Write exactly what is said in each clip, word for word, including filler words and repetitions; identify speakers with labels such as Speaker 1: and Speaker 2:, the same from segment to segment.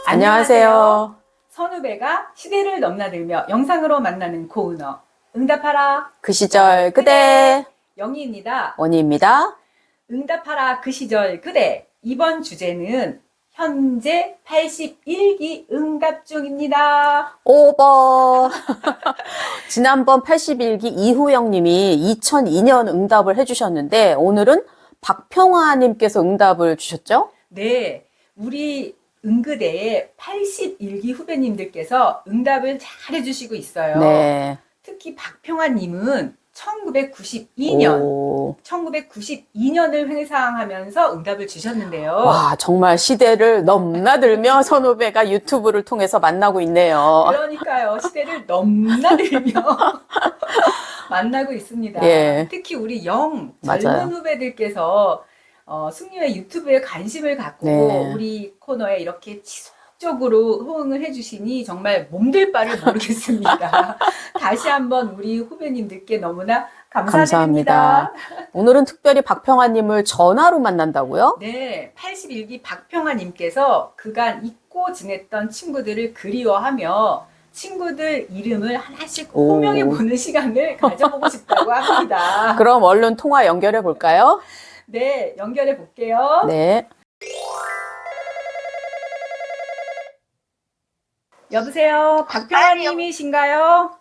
Speaker 1: 안녕하세요.
Speaker 2: 선후배가 시대를 넘나들며 영상으로 만나는 고은어 응답하라
Speaker 1: 그 시절 그대
Speaker 2: 영희입니다.
Speaker 1: 원희입니다.
Speaker 2: 응답하라 그 시절 그대. 이번 주제는 현재 팔십일 기 응답 중입니다.
Speaker 1: 오버. 지난번 팔십일 기 이후영님이 이천이 년 응답을 해주셨는데 오늘은 박평화님께서 응답을 주셨죠?
Speaker 2: 네, 우리 응그대의 팔십일 기 후배님들께서 응답을 잘 해주시고 있어요.
Speaker 1: 네.
Speaker 2: 특히 박평화님은 천구백구십이 년,
Speaker 1: 오.
Speaker 2: 천구백구십이 년을 회상하면서 응답을 주셨는데요.
Speaker 1: 와, 정말 시대를 넘나들며 선후배가 유튜브를 통해서 만나고 있네요.
Speaker 2: 그러니까요. 시대를 넘나들며 만나고 있습니다.
Speaker 1: 예.
Speaker 2: 특히 우리 영
Speaker 1: 맞아요.
Speaker 2: 젊은 후배들께서 어, 승려의 유튜브에 관심을 갖고
Speaker 1: 네.
Speaker 2: 우리 코너에 이렇게 지속적으로 호응을 해주시니 정말 몸둘 바를 모르겠습니다. 다시 한번 우리 후배님들께 너무나 감사드립니다.
Speaker 1: 감사합니다. 오늘은 특별히 박평화님을 전화로 만난다고요?
Speaker 2: 네, 팔십일 기 박평화님께서 그간 잊고 지냈던 친구들을 그리워하며 친구들 이름을 하나씩 호명해 보는 시간을 가져보고 싶다고 합니다.
Speaker 1: 그럼 얼른 통화 연결해 볼까요?
Speaker 2: 네, 연결해 볼게요.
Speaker 1: 네.
Speaker 2: 여보세요, 박평화님이신가요?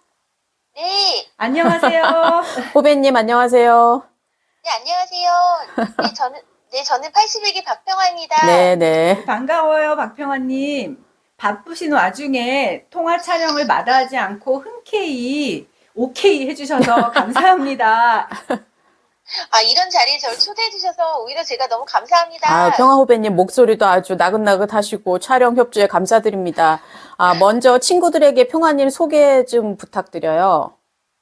Speaker 3: 네,
Speaker 2: 안녕하세요.
Speaker 1: 후배님 안녕하세요.
Speaker 3: 네, 안녕하세요. 네, 저는, 네, 저는 팔십일 기 박평화입니다.
Speaker 1: 네, 네.
Speaker 2: 반가워요, 박평화님. 바쁘신 와중에 통화 촬영을 마다하지 않고 흔쾌히 오케이 해주셔서 감사합니다.
Speaker 3: 아, 이런 자리에 저를 초대해주셔서 오히려 제가 너무 감사합니다.
Speaker 1: 아, 평화 후배님 목소리도 아주 나긋나긋하시고 촬영 협조에 감사드립니다. 아, 먼저 친구들에게 평화님 소개 좀 부탁드려요.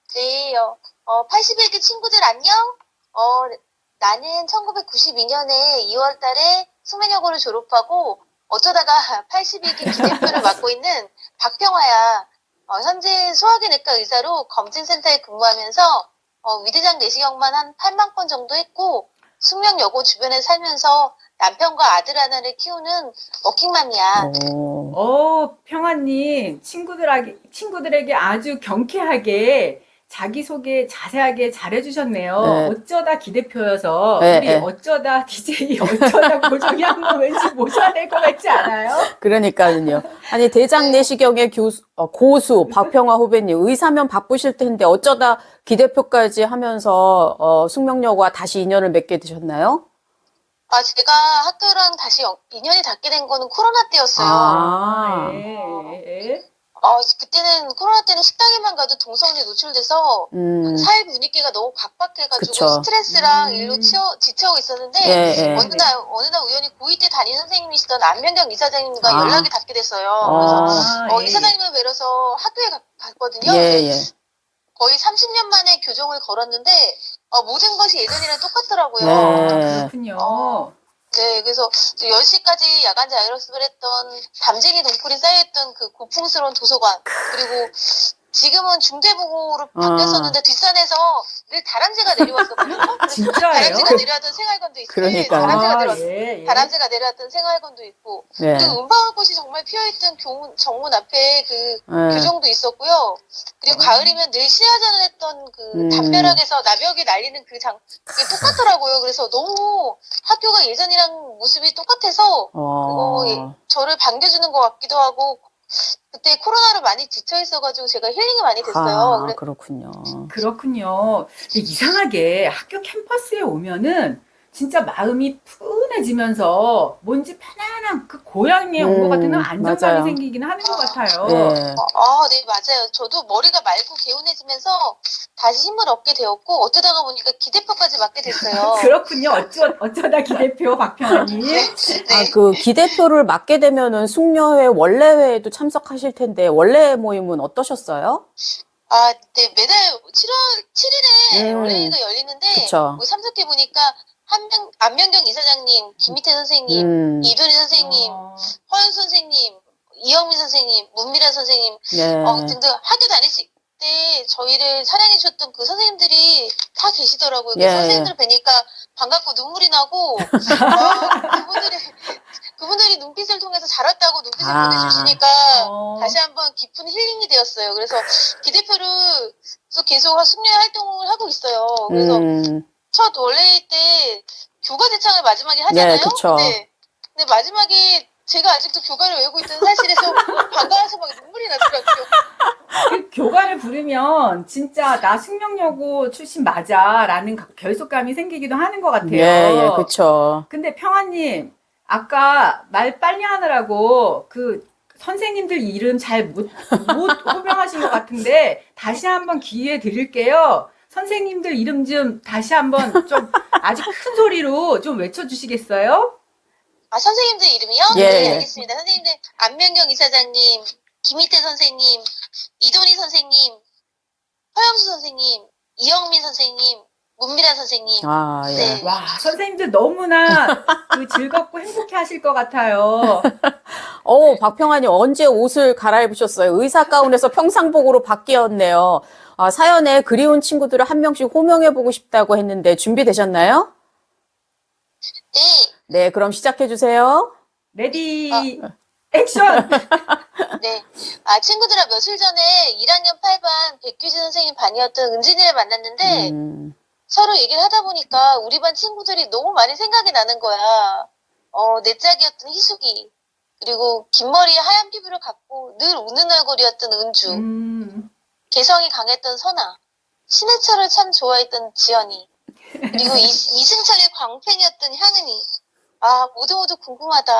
Speaker 3: 네, 어, 어, 팔십일 기 친구들 안녕? 어, 나는 천구백구십이 년에 이월 달에 숙명여고를 졸업하고 어쩌다가 팔십일 기 기대표를 맡고 있는 박평화야. 어, 현재 소화기내과 의사로 검진센터에 근무하면서 어, 위대장 내시경만 한 팔만 건 정도 했고 숙명여고 주변에 살면서 남편과 아들 하나를 키우는 워킹맘이야.
Speaker 1: 오.
Speaker 2: 어, 평화님, 친구들에게, 친구들에게 아주 경쾌하게 자기소개 자세하게 잘해주셨네요.
Speaker 1: 네.
Speaker 2: 어쩌다 기대표여서
Speaker 1: 네,
Speaker 2: 우리
Speaker 1: 네.
Speaker 2: 어쩌다 디제이 어쩌다 고정이 한 번 왠지 모셔야 될 것 같지 않아요?
Speaker 1: 그러니까요. 아니, 대장 내시경의 교수, 어, 고수, 박평화 후배님, 의사면 바쁘실 텐데 어쩌다 기대표까지 하면서, 어, 숙명여고와 다시 인연을 맺게 되셨나요?
Speaker 3: 아, 제가 학교랑 다시 연- 인연이 닿게 된 거는 코로나 때였어요.
Speaker 1: 아.
Speaker 2: 예, 예.
Speaker 3: 어, 그때는 코로나 때는 식당에만 가도 동성애 노출돼서
Speaker 1: 음,
Speaker 3: 사회 분위기가 너무 각박해가지고
Speaker 1: 그쵸.
Speaker 3: 스트레스랑
Speaker 2: 음.
Speaker 3: 일로 치여, 지쳐오고 있었는데
Speaker 1: 예, 예.
Speaker 3: 어느 날 어느 날 우연히 고이 때 담임 선생님이시던 안명경 이사장님과
Speaker 1: 아.
Speaker 3: 연락이 닿게 됐어요.
Speaker 1: 아.
Speaker 3: 그래서 어,
Speaker 2: 예.
Speaker 3: 이사장님을 뵈러서 학교에 가- 갔거든요.
Speaker 1: 예, 예.
Speaker 3: 거의 삼십 년 만에 교정을 걸었는데 어, 모든 것이 예전이랑 똑같더라고요.
Speaker 1: 네.
Speaker 2: 그렇군요.
Speaker 3: 어. 네, 그래서 열 시까지 야간 자율학습을 했던 담쟁이 동풀이 쌓여있던 그 고풍스러운 도서관, 그리고 지금은 중대부고로 바뀌었었는데 뒷산에서 늘 다람쥐가 내려왔었거든요.
Speaker 2: 진짜예요?
Speaker 3: 다람쥐가 내려왔던 생활관도 있고,
Speaker 1: 그러니까요.
Speaker 3: 다람쥐가,
Speaker 2: 아,
Speaker 3: 내려,
Speaker 2: 예, 예.
Speaker 3: 다람쥐가 내려왔던 생활관도 있고,
Speaker 1: 네.
Speaker 3: 그리고 은방울꽃이 정말 피어있던 교문, 정문 앞에 그
Speaker 1: 네.
Speaker 3: 교정도 있었고요. 그리고 가을이면 늘 시야전을 했던 그
Speaker 1: 음.
Speaker 3: 담벼락에서 나벽이 날리는 그 장, 그게 똑같더라고요. 그래서 너무 학교가 예전이랑 모습이 똑같아서
Speaker 1: 어,
Speaker 3: 어, 예, 저를 반겨주는 것 같기도 하고, 그때 코로나로 많이 지쳐 있어가지고 제가 힐링이 많이 됐어요.
Speaker 1: 아,
Speaker 3: 그래-
Speaker 1: 그렇군요.
Speaker 2: 그렇군요. 근데 이상하게 학교 캠퍼스에 오면은 진짜 마음이 푸근해지면서 뭔지 편안한 그 고향에 온 것
Speaker 1: 음,
Speaker 2: 같은 안정감이
Speaker 1: 맞아요.
Speaker 2: 생기긴 하는 것 같아요.
Speaker 1: 네.
Speaker 3: 아, 네, 맞아요. 저도 머리가 맑고 개운해지면서 다시 힘을 얻게 되었고, 어쩌다가 보니까 기대표까지 맡게 됐어요.
Speaker 2: 그렇군요. 어쩌, 어쩌다 기대표 박평화님.
Speaker 3: 네.
Speaker 1: 아, 그 기대표를 맡게 되면은 숙녀회 원래회에도 참석하실 텐데 원래 모임은 어떠셨어요?
Speaker 3: 아, 네, 매달 칠월 칠일에
Speaker 1: 음,
Speaker 3: 원래가 열리는데,
Speaker 1: 그쵸.
Speaker 3: 뭐 참석해보니까, 한명, 안명경 이사장님, 김희태 선생님,
Speaker 1: 음,
Speaker 3: 이도리 선생님,
Speaker 2: 어,
Speaker 3: 허윤 선생님, 이영민 선생님, 문미라 선생님,
Speaker 1: 네.
Speaker 3: 어, 등등 학교 다니실 때 저희를 사랑해 주셨던 그 선생님들이 다 계시더라고요.
Speaker 1: 예,
Speaker 3: 그 선생님들 뵈니까 반갑고 눈물이 나고, 어, 그분들이, 그분들 그분들이 눈빛을 통해서 잘 왔다고 눈빛을
Speaker 1: 아.
Speaker 3: 보내주시니까
Speaker 2: 어.
Speaker 3: 다시 한번 깊은 힐링이 되었어요. 그래서 기대표를 계속 숙녀 활동을 하고 있어요. 그래서
Speaker 1: 음,
Speaker 3: 첫 원래일 때 교과 대창을 마지막에 하잖아요.
Speaker 1: 네, 그쵸.
Speaker 3: 근데, 근데 마지막에 제가 아직도 교과를 외우고 있다는 사실에서 반가워서 막 눈물이 나더라고요.
Speaker 2: 그 교과를 부르면 진짜 나 숙명여고 출신 맞아라는 결속감이 생기기도 하는 것 같아요.
Speaker 1: 예, 예, 그쵸.
Speaker 2: 근데 평화님, 아까 말 빨리 하느라고 그 선생님들 이름 잘 못, 못 호명하신 것 같은데 다시 한번 기회 드릴게요. 선생님들 이름 좀 다시 한번 좀 아주 큰 소리로 좀 외쳐주시겠어요?
Speaker 3: 아, 선생님들 이름이요?
Speaker 1: 예,
Speaker 3: 네,
Speaker 1: 예.
Speaker 3: 알겠습니다. 선생님들, 안명경 이사장님, 김희태 선생님, 이돈희 선생님, 허영수 선생님, 이영민 선생님, 문미라 선생님.
Speaker 1: 아, 예.
Speaker 3: 네.
Speaker 2: 와, 선생님들 너무나 그 즐겁고 행복해 하실 것 같아요.
Speaker 1: 어, 박평환님 언제 옷을 갈아입으셨어요? 의사 가운에서 평상복으로 바뀌었네요. 아, 사연에 그리운 친구들을 한 명씩 호명해보고 싶다고 했는데 준비되셨나요?
Speaker 3: 네.
Speaker 1: 네, 그럼 시작해주세요.
Speaker 2: 레디, 액션!
Speaker 3: 네. 아, 친구들아, 며칠 전에 일 학년 팔 반 백규진 선생님 반이었던 은진이를 만났는데,
Speaker 1: 음,
Speaker 3: 서로 얘기를 하다 보니까 우리 반 친구들이 너무 많이 생각이 나는 거야. 어, 내 짝이었던 희숙이, 그리고 긴 머리에 하얀 피부를 갖고 늘 웃는 얼굴이었던 은주,
Speaker 2: 음,
Speaker 3: 개성이 강했던 선아, 신해철을 참 좋아했던 지연이, 그리고 이, 이승철의 광팬이었던 향은이. 아, 모두 모두 궁금하다.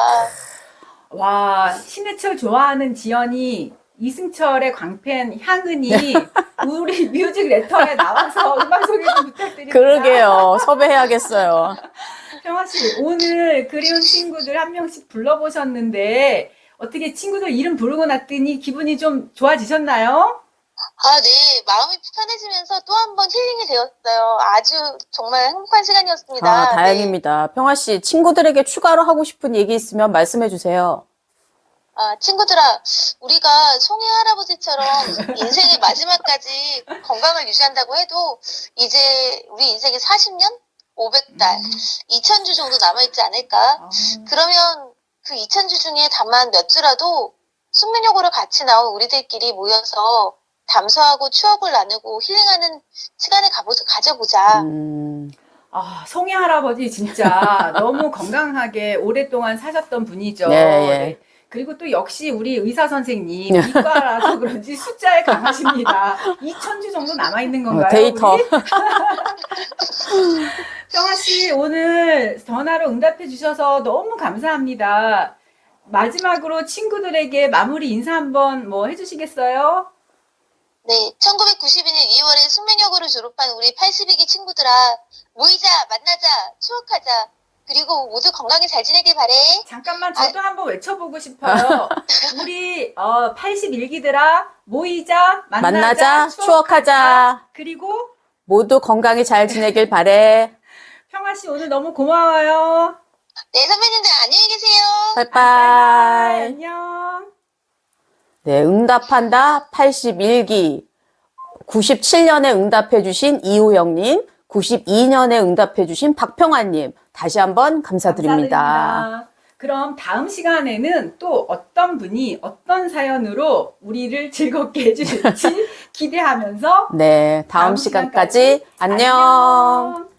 Speaker 2: 와, 신해철 좋아하는 지연이, 이승철의 광팬 향은이 우리 뮤직 레터에 나와서 음악 소개 좀 부탁드립니다.
Speaker 1: 그러게요. 섭외해야겠어요.
Speaker 2: 평화 씨, 오늘 그리운 친구들 한 명씩 불러보셨는데 어떻게 친구들 이름 부르고 났더니 기분이 좀 좋아지셨나요?
Speaker 3: 아, 네. 마음이 편해지면서 또 한 번 힐링이 되었어요. 아주 정말 행복한 시간이었습니다.
Speaker 1: 아,
Speaker 3: 네.
Speaker 1: 다행입니다. 평화 씨, 친구들에게 추가로 하고 싶은 얘기 있으면 말씀해 주세요.
Speaker 3: 아, 친구들아, 우리가 송해 할아버지처럼 인생의 마지막까지 건강을 유지한다고 해도 이제 우리 인생에 사십 년? 오백 달, 이천 주 정도 남아있지 않을까?
Speaker 2: 아,
Speaker 3: 그러면 그 이천 주 중에 다만 몇 주라도 숙면여고를 같이 나온 우리들끼리 모여서 담소하고 추억을 나누고 힐링하는 시간을 가보자, 가져보자.
Speaker 1: 음,
Speaker 2: 아, 송이 할아버지 진짜 너무 건강하게 오랫동안 사셨던 분이죠.
Speaker 1: 네, 예.
Speaker 2: 네. 그리고 또 역시 우리 의사 선생님 이과라서 그런지 숫자에 강하십니다. 이천 주 정도 남아있는 건가요?
Speaker 1: 어, 데이터.
Speaker 2: 우리? 평화 씨 오늘 전화로 응답해 주셔서 너무 감사합니다. 마지막으로 친구들에게 마무리 인사 한번 뭐 해주시겠어요?
Speaker 3: 네, 천구백구십이 년 이월에 숙면여고를 졸업한 우리 팔십이 기 친구들아, 모이자, 만나자, 추억하자, 그리고 모두 건강히 잘 지내길 바래.
Speaker 2: 잠깐만 저도 한번 외쳐보고 싶어요. 우리 어, 팔십일 기들아 모이자 만나자,
Speaker 1: 만나자,
Speaker 2: 추억하자.
Speaker 1: 추억하자.
Speaker 2: 그리고
Speaker 1: 모두 건강히 잘 지내길 바래.
Speaker 2: 평화 씨 오늘 너무 고마워요.
Speaker 3: 네, 선배님들 안녕히 계세요.
Speaker 1: 빠이빠이.
Speaker 2: 안녕.
Speaker 1: 네, 응답한다 팔십일 기. 구십칠 년에 응답해주신 이호영님, 구십이 년에 응답해주신 박평환님, 다시 한번 감사드립니다.
Speaker 2: 감사드립니다. 그럼 다음 시간에는 또 어떤 분이 어떤 사연으로 우리를 즐겁게 해주실지 기대하면서
Speaker 1: 네, 다음,
Speaker 2: 다음
Speaker 1: 시간까지
Speaker 2: 시간까지
Speaker 1: 안녕.
Speaker 2: 안녕.